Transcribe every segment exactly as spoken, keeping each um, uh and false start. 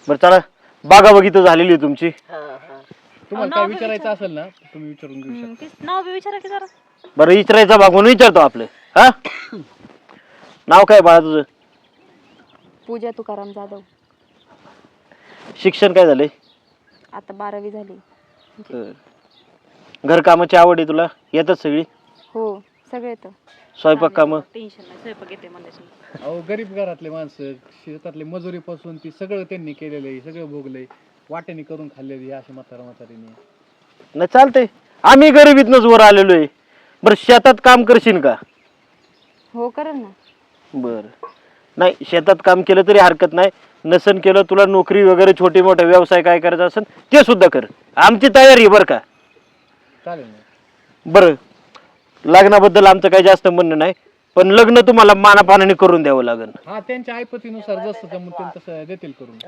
बरं चला बागा बघित झालेली आहे तुमची. तुम्हाला काय विचारायचं असेल ना तुम्ही विचारून घेऊ शकता. नाव बी विचारा की जरा. बरं विचारायचा भाग म्हणून विचारतो आपलं. हा नाव काय बाळा तुझं? पूजा तुकाराम जाधव. शिक्षण काय झालंय? आता बारावी झाली. घर कामाची आवड आहे तुला? येतात सगळी? हो सगळे येतं. स्वयंपाक काम? टेन्शन नाही, स्वयंपाक येते मला. अहो गरीब घरातले माणसं शेतातले मजुरीपासून ती सगळं त्यांनी केलेलं आहे, सगळं भोगलंय, वाट्याने करून खाल्लेली अशी म्हातारा म्हातारीने. नाही चालतंय, आम्ही गरिबीतनच वर आलेलो आहे. बरं शेतात काम करशील का? हो करेल ना. बर नाही शेतात काम केलं तरी हरकत नाही, नसन केलं तुला नोकरी वगैरे छोटे मोठे व्यवसाय काय करायचा असेल ते सुद्धा कर, आमची तयारी आहे बरं का. चालेल ना. बरं लग्नाबद्दल आमचं काही जास्त म्हणणं नाही, पण लग्न तुम्हाला मानापानाने करून द्यावं लागेल. हा त्यांच्या ऐपतीनुसार जसं जमून तसं देतील करून.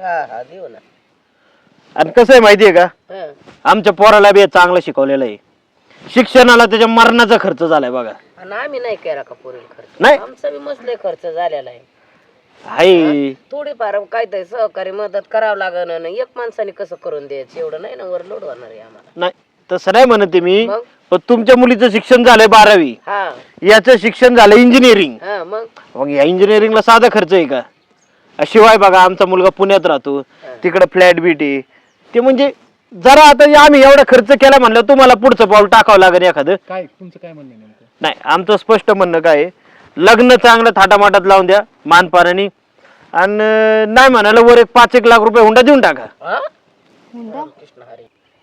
आणि कसं आहे माहितीये का, आमच्या पोराला बी चांगलं शिकवलेलं आहे, शिक्षणाला त्याच्या मरणाचा खर्च झालाय बघा. आम्ही नाही केला का पुरेल खर्च? नाही आमचा बी मसले खर्च झालेला आहे. हाय थोडीफार काहीतरी सहकारी मदत करावं लागण ना, एक माणसाने कसं करून द्यायचं एवढं नाही ना, वर लोड होणार आहे आम्हाला. नाही तसं नाही म्हणते मी, मग? पण तुमच्या मुलीचं शिक्षण झालंय बारावी, हा याचं शिक्षण झालं इंजिनिअरिंग. हा मग मग या इंजिनिअरिंगला साधा खर्च आहे का? शिवाय बघा आमचा मुलगा पुण्यात राहतो, तिकडे फ्लॅट बीट आहे, ते म्हणजे जरा आता आम्ही एवढा खर्च केला म्हणलं तुम्हाला पुढचं पाऊल टाकावं लागेल एखादं. काय तुमचं काय म्हणणं आहे नेमकं? नाही आमचं स्पष्ट म्हणणं काय आहे, लग्न चांगलं थाटामाटात लावून द्या मानपाराने, आणि नाही म्हणाला वर एक पाच एक लाख रुपये हुंडा देऊन टाका. हा हुंडा? कृष्ण हरी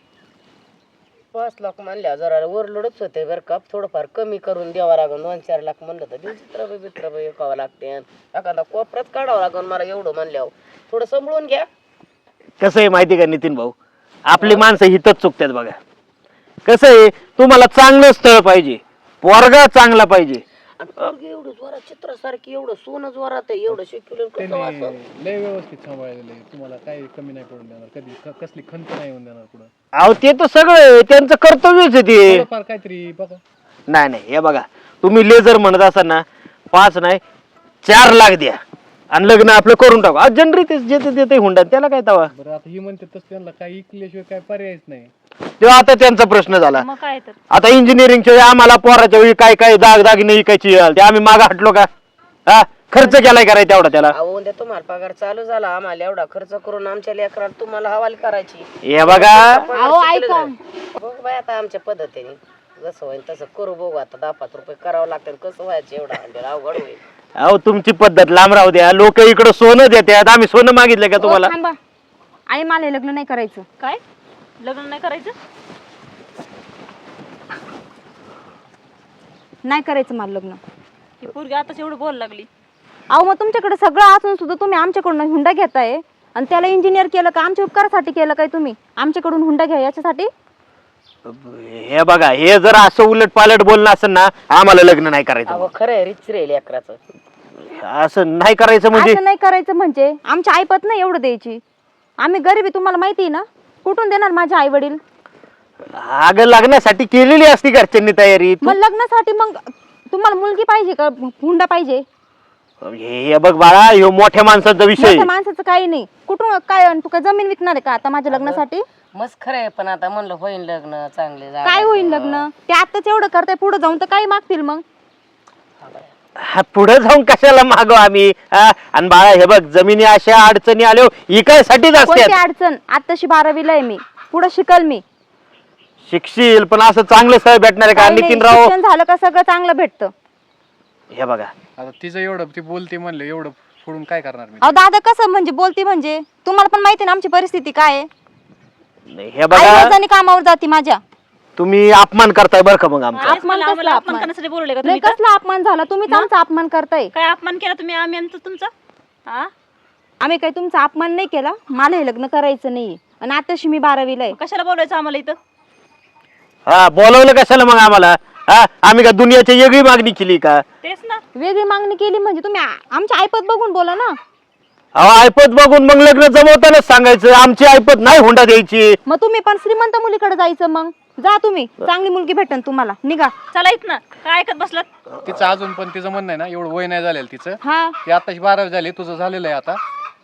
पाच लाख म्हणल्या जरा ओव्हरलोडच होते बरं का, थोडंफार कमी करून द्यावं लागून. दोन चार लाख म्हणलं तर दिवस चित्र बित्र विकावं लागते, एखादा कोपऱ्यात काढावं लागून मला एवढं म्हणल्यावर. थोडं सांभाळून घ्या. कसं आहे माहिती का नितीन भाऊ, आपली माणसं हितच चुकतात बघा. कसं आहे तुम्हाला चांगलं स्थळ पाहिजे, पोरगा चांगला पाहिजे. आणि पोरगी एवढं जोरात चित्रासारखी एवढं सोनं जोरात आहे, एवढं शिकवलं कसं त्यांनी वाचन? लय व्यवस्थित सांभाळलेलं आहे, तुम्हाला काही कमी नाही पडून देणार, कधी क- कसली खंत नाही होऊन देणार पुढं. अहो ते तर सगळं त्यांचं कर्तव्यच आहे ते. थोडंफार काहीतरी बघा. नाही नाही हे बघा, तुम्ही लेझर म्हणत असाल ना, पाच नाही चार लाख द्या आणि लग्न आपलं करून टाकू. आज जनरी ते जे देते हुंडा त्याला काय तवा. बरं आता ही म्हणते तसं त्यांना काही इकल्याशिवाय काय पर्यायच नाही. तेव्हा आता त्यांचा प्रश्न झाला. मग काय तर आता इंजिनिअरिंगच्या वेळी आम्हाला पोराच्या वेळी काय काय दाग दागिने विकायची ते आम्ही मागे हटलो का? हा खर्च केलाय करायचा तेवढा त्याला. अहो उद्या तुम्हाला पगार चालू झाला, आम्हाला एवढा खर्च करून आमच्या लेकराला तुम्हाला हवाली करायची. हे बघा अहो ऐका, बघ बाय आता आमच्या पद्धतीने जसं होईल तसं करू. बघू आता दहा पाच रुपये करावं लागतं, कसं व्हायचं एवढा हंडेल अवघड होईल. अहो तुमची पद्धत लांब राहू द्या, लोक इकडं सोनं देतात, आम्ही सोनं मागितलं का हो, तुम्हाला? थांबा. आई मला हे लग्न नाही करायचं. काय लग्न नाही करायचं? नाही करायचं मला लग्न. ही पोरगी आताच एवढं बोलायला लागली. अहो मग तुमच्याकडे सगळं असून सुद्धा तुम्ही आमच्याकडून हुंडा घेताय, आणि त्याला इंजिनियर केलं का? आमच्या उपकारासाठी केलं काय तुम्ही? आमच्याकडून हुंडा घ्या याच्यासाठी? हे बघा, हे जर असं उलट पालट बोलणं असेल ना, आम्हाला लग्न नाही करायचं. अहो खरं आहे, रिच रे लेकराचं. असं नाही करायचं म्हणजे? असं नाही करायचं म्हणजे आमच्या आईपत नाही एवढं द्यायची. आम्ही गरीबी तुम्हाला माहिती आहे ना, कुठून देणार माझे आई वडील? अगं लग्नासाठी केलेली असती घरच्यांनी तयारी. तू- मग लग्नासाठी मग तुम्हाला मुलगी पाहिजे का हुंडा पाहिजे? हे हे बघ बाळा, ह्यो मोठ्या माणसाचा विषय. मोठ्या माणसाचं काही नाही. कुठून काय? आणि तू काय जमीन विकणार आहे का आता माझ्या लग्नासाठी? मस्त खरं आहे, पण आता म्हणलं होईल लग्न चांगले. काय होईल लग्न? ते आताच एवढं करताय, पुढे जाऊन तर काय मागतील मग? हा, पुढे जाऊन कशाला मागो आम्ही? हा, आणि बाळा हे बघ, जमिनी अशा अडचणी आल्या इकायसाठीच कोणती असते. अडचण? आताशी बारावीला आहे मी, पुढे शिकल मी. शिकशील पण असं चांगलं स्थळ भेटणार आहे का काही नाही, नितीन राव? शिक्षण झालं का सगळं चांगलं भेटतं. हे बघा आता तिचं एवढं ती बोलते म्हणलं, एवढं फोडून काय करणार मी? अहो दादा कसं म्हणजे बोलती म्हणजे? तुम्हाला पण माहिती ना आमची परिस्थिती काय आहे. नाही, हे आई बघा रोजानी कामावर जाती माझ्या. तुम्ही अपमान करताय बरं का मग आमचा. तेच मला आम्हाला अपमान करण्यासाठी बोलले का नाही, तुम्ही? कसला अपमान झाला? तुम्हीच आमचा अपमान करताय. काय अपमान केला तुम्ही? आम्ही आमचं तुमचा हा आम्ही काही तुमचा अपमान नाही केला. मला हे लग्न करायचं नाही, आणि आताशी मी बारावीला आहे. कशाला बोलायचं आम्हाला इथं? हा बोलवलं कशाला मग आम्हाला? हा आम्ही का दुनियाची वेगळी मागणी केली का? तेच ना. वेगळी मागणी केली म्हणजे तुम्ही आ- आमच्या ऐपत बघून बोला ना. अहो ऐपत बघून मग लग्न जमवतानाच सांगायचं आमची ऐपत नाही हुंडा द्यायची. मग तुम्ही पण श्रीमंत मुलीकडे जायचं. मग जा तुम्ही, चांगली मुलगी भेटन तुम्हाला. निघा. चला इथनं. काय ऐकत बसलात? तिचं अजून पण तिचं म्हणणं आहे ना, एवढं वय नाही झालेलं तिचं. हा ती आताची बारावी झाली, तुझं झालेलं आहे आता.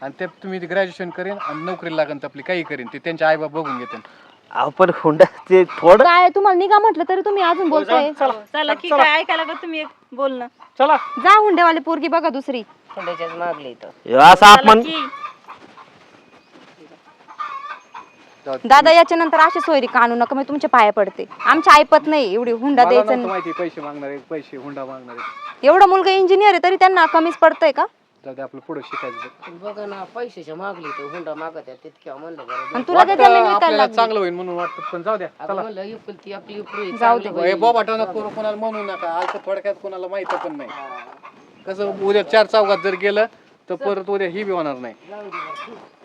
आणि ते तुम्ही ग्रॅज्युएशन करेन आणि नोकरी लागेल तर आपली काही करेन ते त्यांचे आई बाप बघून घेते. अहो पण हुंडा ते थोडं काय तुम्हाला निघा म्हटलं तरी तुम्ही अजून बोलताय. चला की काय ऐकायला लागलं तुम्ही एक बोलणं. चला जा हुंडेवाली पोरगी बघा दुसरी. हुंड्याच्याच मागली इथं. हे असा अपमान की दादा याच्या नंतर अशी सोयरी काढू नका मी तुमच्या पाया पडते. आमच्या ऐपत नाही एवढी हुंडा मला द्यायचं नव्हतं नाही. माहिती पैसे मागणारे पैसे हुंडा मागणारे. एवढा मुलगा इंजिनियर आहे तरी त्यांना कमीच पडतंय का? जाऊ दे आपलं पुढे शिकायचं. बघा ना पैशाच्या मागली तर हुंडा मागत आहे तितक्या म्हणलं बरं. आणि तुला काय जमीन वाटतं विकायला आपल्याला लागली? चांगलं होईल म्हणून वाटतं पण जाऊ द्या. अगं म्हणलं एकुलती आपली एकुलती जाऊ दे. चांगली हे बोबाटा नको कोणाला म्हणू नका. आज थोडक्यात कोणाला माहित पण नाही कसं उद्या चार चौघात जर गेलं तर परत उद्या ही बी होणार नाही.